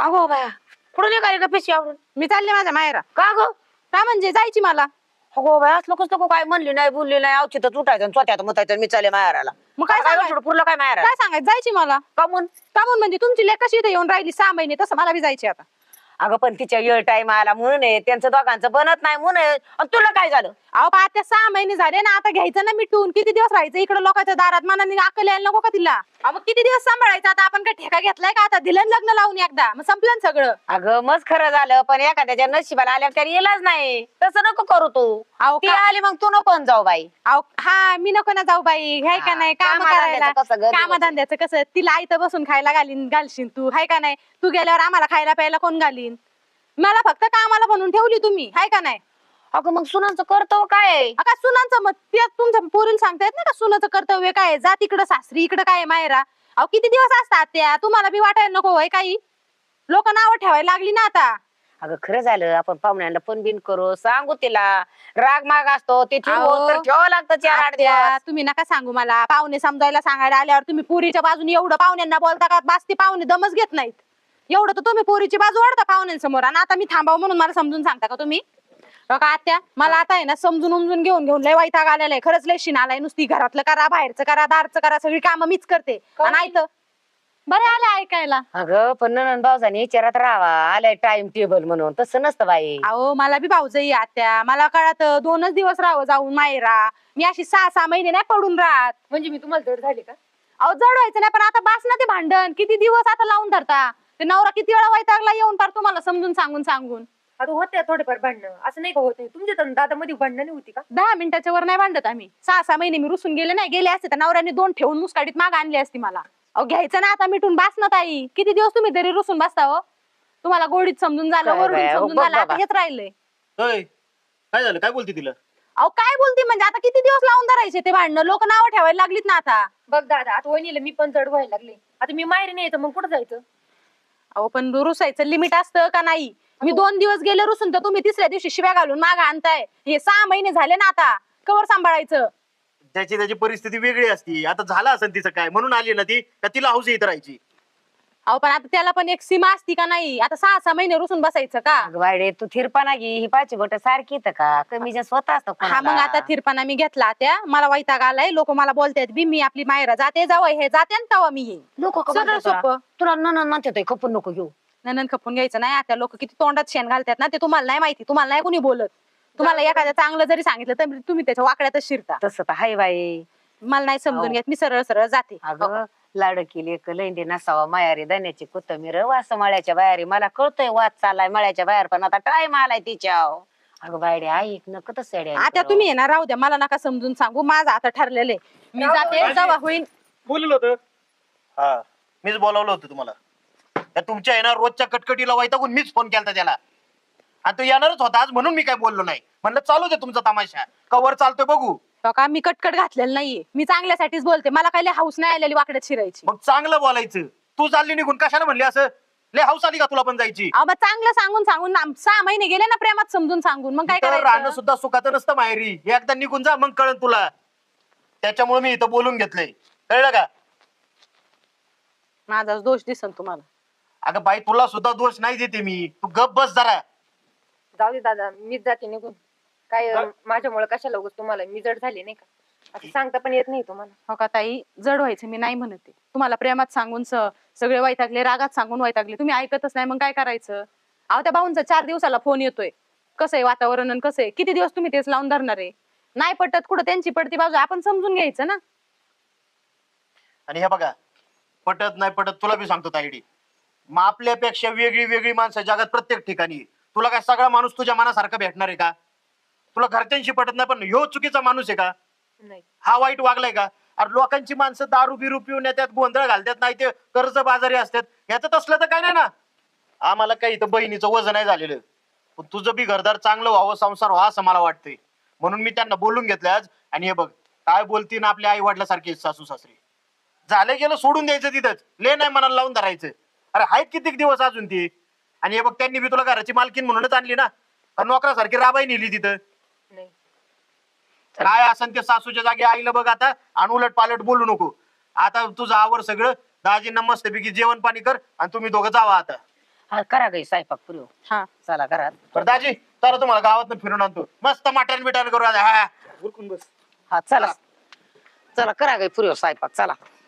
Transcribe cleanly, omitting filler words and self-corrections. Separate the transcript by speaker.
Speaker 1: अगो बाया कुठं निघाली का पिशी आवरून?
Speaker 2: मी चालले माझ्या माहेरा.
Speaker 1: का ग?
Speaker 2: का म्हणजे जायची मला.
Speaker 1: अगो बाया लोकच नको काय म्हणली नाही बोलली नाही अवचितच उठायचं स्वतःत मतायचं मी चालले माहेराला.
Speaker 2: मग काय सांगायचं?
Speaker 1: पुरलं काय माहेरा
Speaker 2: काय सांगायचं जायची मला.
Speaker 1: का म्हणून?
Speaker 2: का म्हणून म्हणजे तुमची लेक कशी इथे येऊन राहिली 6 महिने तसं मला बी जायची आता.
Speaker 1: अगं पण तिच्या येळ टाइम आला म्हणून आहे त्यांचं दोघांचं बनत नाही म्हणून आहे. आणि तुला काय झालं?
Speaker 2: अहो पा आता 6 महिने झाले ना आता घ्यायचं ना मिटून. किती दिवस राहायचं इकडे लोकांच्या दारात मनाने अक्कल यायला नको का तिला. अहो मग किती दिवस सांभाळायचं आता आपण काय ठेका घेतलाय का आता दिलं ना लग्न लावून एकदा मग संपलं ना सगळं.
Speaker 1: अगं मग खरं झालं पण एखाद्याच्या नशिबाला आल्या त्याला येलाच नाही तसं नको करू तू.
Speaker 2: अहो
Speaker 1: ती आली मग तू नको जाऊ बाई.
Speaker 2: अहो हा मी नको ना जाऊ बाई हाय का नाही काम करायला.
Speaker 1: कामधंद्याचं कसं गं
Speaker 2: कामधंद्याचं कसं तिला आयतं बसून खायला घालशील तू हाय का नाही. तू गेल्यावर आम्हाला खायला प्यायला कोण घालीन. मला फक्त कामाला बनवून ठेवली तुम्ही हाय का नाही.
Speaker 1: अगं मग सुनांचं कर्तव्य काय आहे?
Speaker 2: का सुनांचं मग ते तुमच्या पोरीला सांगता येत नाही का सुनाचं कर्तव्य काय आहे? जा तिकडं सासरी इकडं काय आहे मायरा. अहो किती दिवस असतात त्या तुम्हाला बी वाटायला नको होय काही. लोक नावं ठेवायला लागली ना आता.
Speaker 1: अगं खरं झालं आपण पाहुण्यांना पण बिन करू सांगू तिला राग माग असतो ते
Speaker 2: अहो,
Speaker 1: ठेवावं लागतं 4-8
Speaker 2: आत्या,
Speaker 1: दिवस.
Speaker 2: तुम्ही नका सांगू मला पाहुणे समजायला सांगायला आल्यावर तुम्ही पोरीच्या बाजूने एवढं पाहुण्यांना बोलता का बास ते पाहुणे दमच घेत नाहीत. एवढं तर तुम्ही पोरीची बाजू वाढता पाहुण्यांसमोर आणि आता मी थांबावं म्हणून मला समजून सांगता का तुम्ही. का आत्या मला आता आहे ना समजून उमजून घेऊन लय वैताग आलेला आहे खरंच लय शिन आलाय. नुसती घरातलं करा बाहेरचं करा दारचं करा सगळी कामं मीच करते आणि ऐकतं बरं आलं ऐकायला.
Speaker 1: अगं पण ननंद भाऊजाने विचारात राहावा आलाय टाइम टेबल म्हणून तसं नसतं बाई.
Speaker 2: अहो मला बी भाऊजाई आत्या मला कळत 2च दिवस राहावं जाऊन मायरा. मी अशी 6-6 महिने नाही पडून राहत.
Speaker 3: म्हणजे मी तुम्हाला जड झाले का?
Speaker 2: अहो जड व्हायचं नाही पण आता बास ना ते भांडण किती दिवस आता लावून धरता. ते नवरा किती वेळा वैतागला येऊन पार तुम्हाला समजून सांगून.
Speaker 3: आता होते थोडेफार भांडणं असं नाही का होत नाही तुमच्या तर दादा मध्ये भांडणं नाही होती का?
Speaker 2: 10 मिनिटाच्या वर नाही भांडत आम्ही. 6-6 महिने मी रुसून गेले असते तर नवऱ्याने 2 ठेवून मुस्काडीत माग आणली असती मला. अहो घ्यायचं ना आता मिटून बास ना ताई. किती दिवस तुम्ही तरी रुसून बसता हो. तुम्हाला गोडीत समजून झालं
Speaker 1: काय
Speaker 2: वरडून
Speaker 1: बाया,
Speaker 2: समजून
Speaker 1: बघ
Speaker 2: झालं आता
Speaker 1: बाबा.
Speaker 2: हेच राहिलंय.
Speaker 4: होय काय झालं काय बोलते तिला?
Speaker 2: अहो काय बोलती म्हणजे आता किती दिवस लावून धरायचे ते भांडणं लोक नावं ठेवायला लागलीत ना आता.
Speaker 3: बघ दादा आता वहिनीला मी पण जड व्हायला लागले. आता मी माहेरी नाही येतं मग कुठं जायचं?
Speaker 2: अहो पण रुसायचं लिमिट असतं का नाही. मी 2 दिवस गेले रुसून तर तुम्ही तिसऱ्या दिवशी शिव्या घालून माग आणताय. हे 6 महिने झाले ना आता कवर सांभाळायचं.
Speaker 4: त्याची परिस्थिती वेगळी असती. आता झालं असेल तिचं काय म्हणून आली ना ती का तिला हौस येत राहायची?
Speaker 2: अहो पण आता त्याला पण एक सीमा असती का नाही. आता 6-6 महिने रुसून बसायचं का.
Speaker 1: अगं बाई तू थिरपाना घे ही पाची बोट सारखी येतं का कमी जास्त स्वतः असतं
Speaker 2: हा मग आता थिरपाना मी घेतला त्या मला वैताग आलाय. लोक मला बोलतायत बी मी आपली मायरा जाते जावं हे जाते आणि तेव्हा मी येईन.
Speaker 1: लोक
Speaker 2: सरळ सोपं.
Speaker 1: तुला ननंद म्हणते खपून नको घेऊ.
Speaker 2: नंदन खपून घ्यायचं नाही. आता लोक किती तोंडात शेण घालतात ना ते तुम्हाला नाही माहिती. तुम्हाला नाही कोणी बोलत. तुम्हाला एखाद्या चांगलं जरी सांगितलं तर तुम्ही त्याच्या वाकड्यातच शिरता.
Speaker 1: तसं तर हाय बाई.
Speaker 2: मला नाही समजून घेत मी सरळ सरळ जाते.
Speaker 1: अगं लाडकी लैंडी नसावा मायारी धन्याची कोथमीर वास मळ्याच्या बाहेर मला कळतोय वाद चालाय मळ्याच्या बाहेर पण आता टाइम आलाय तिच्या. अगं बायडे ऐक नक तसं
Speaker 2: आता तुम्ही येणार राहू द्या मला नका समजून सांगू. माझं आता ठरलेलं आहे मी जाते जेव्हा होईल.
Speaker 4: बोललो होतं हा मीच बोलावलं होतं तुम्हाला. त्या तुमच्या येणार रोजच्या कटकटीला वैतागून मीच फोन केला त्याला आणि तो येणारच होता आज म्हणून मी काय बोललो नाही. म्हणलं चालू दे तुमचा तमाशा कवर चालतोय बघू.
Speaker 2: का मी कटकट घातलेलं नाहीये. मी चांगल्यासाठीच बोलते. मला काही हाऊस नाही आलेली वाकड्यात शिरायची.
Speaker 4: मग चांगलं बोलायचं. तू चालली निघून कशाला म्हणली असं लय हौस आली का तुला पण जायची?
Speaker 2: अहो मग चांगलं सांगून 6 महिने गेले ना प्रेमात समजून सांगून मग काय
Speaker 4: राहणं
Speaker 2: करायचं.
Speaker 4: सुद्धा सुखाचं नसतं माहेरी. एकदा निघून जा मग कळन तुला. त्याच्यामुळे मी इथं बोलून घेतलंय कळलं का?
Speaker 2: माझा दोष दिसन तुम्हाला.
Speaker 4: अगं बाई तुला सुद्धा दोष नाही देते मी. तू गप बस जरा.
Speaker 3: जाऊ दे दादा मीच जाते निघून. काय माझ्यामुळे कशाला उगाच तुम्हाला मी जड झाले नाही का? असं सांगता पण येत नाही तुम्हाला.
Speaker 2: हो का ताई जड व्हायचं मी नाही म्हणते. तुम्हाला प्रेमात सांगून सगळे वैतागले रागात सांगून वैतागले तुम्ही ऐकतच नाही मग काय करायचं. अहो त्या भाऊंचा 4 दिवसाला फोन येतोय. कसं आहे वातावरण कसं आहे किती दिवस तुम्ही तेच लावून धरणार आहे. नाही पटत कुठं त्यांची पडती बाजू आपण समजून घ्यायचं ना.
Speaker 4: आणि हे बघा पटत नाही पटत तुला बी सांगतो ताईडी. मग आपल्यापेक्षा वेगळी वेगळी माणसं जगात प्रत्येक ठिकाणी. तुला काय सगळा माणूस तुझ्या मनासारखा भेटणार आहे का? तुला घरच्यांशी पटत नाही पण ह्यो चुकीचा माणूस आहे का?
Speaker 3: नाही
Speaker 4: हा वाईट वागलाय का? अरे लोकांची माणसं दारू बिरू पिऊन येतात गोंधळ घालतात नाही ते कर्ज बाजारी असतात. याचं असलं तर काय नाही ना. आम्हाला काही इथं बहिणीचं वजन नाही झालेलं पण तुझं बी घरदार चांगलं व्हावं संसार व्हावं असं मला वाटतंय म्हणून मी त्यांना बोलून घेतलं आज. आणि हे बघ काय बोलतीन आपल्या आई वडिलासारखे सासू सासरे. झालं गेलं सोडून द्यायचं तिथंच. ले नाही मनाला लावून धरायचं. अरे आहेत कितीक दिवस अजून ती. आणि हे बघ त्यांनी बी तुला घराची मालकीन म्हणूनच आणली ना. नोकरासारखी राबाई नेली तिथं.
Speaker 3: नाही
Speaker 4: काय असं ते सासूच्या जागी आईला बघ आता आणि उलट पालट बोलू नको. आता तुझं आवर सगळं दाजींना मस्तपैकी जेवण पाणी कर आणि तुम्ही दोघं जावा आता.
Speaker 1: हा करा गई स्वयंपाक पुरी
Speaker 2: हा
Speaker 1: चला घरात.
Speaker 4: बरं दाजी चला तुम्हाला गावात फिरून आणतो मस्त मटण बिटण करू आता. हा उरकून बस.
Speaker 1: हा चला चला करा गई पुरी स्वयंपाक चला.